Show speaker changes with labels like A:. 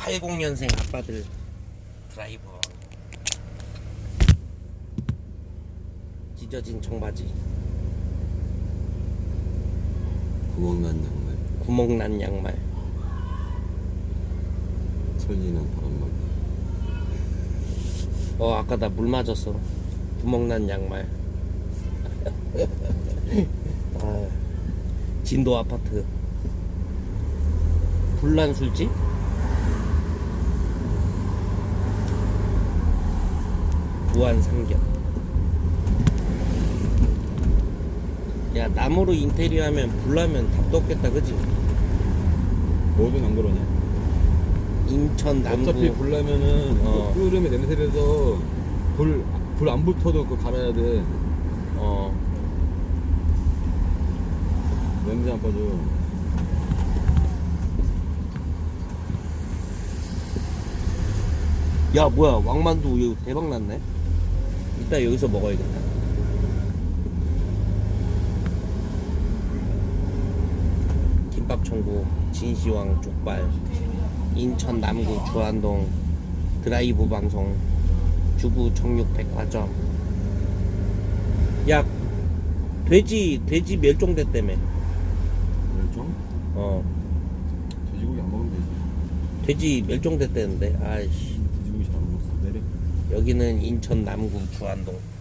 A: 80년생 아빠들 드라이버. 찢어진 청바지,
B: 구멍난 양말,
A: 구멍난 양말,
B: 설리는 바람막이.
A: 아까 나 물 맞았어. 구멍난 양말. 진도 아파트, 불난 술집, 무한 삼겹. 야, 나무로 인테리어 하면 불나면 답도 없겠다, 그지?
B: 뭐든 안 그러냐?
A: 인천 남구.
B: 어차피 불나면은
A: 어.
B: 끓으면 냄새라서 불 안 붙어도 그거 갈아야 돼. 냄새 안 빠져.
A: 야, 뭐야, 왕만두 이거 대박 났네. 이따 여기서 먹어야겠다. 김밥 천국, 진시황 족발, 인천 남구 주안동 드라이브 방송, 주부 정육 백화점. 야, 돼지 멸종됐다며.
B: 멸종? 돼지고기 안 먹으면 되지.
A: 돼지 멸종됐다는데. 아이씨.
B: 돼지고기 잘 안 먹었어. 내려.
A: 여기는 인천 남구 주안동.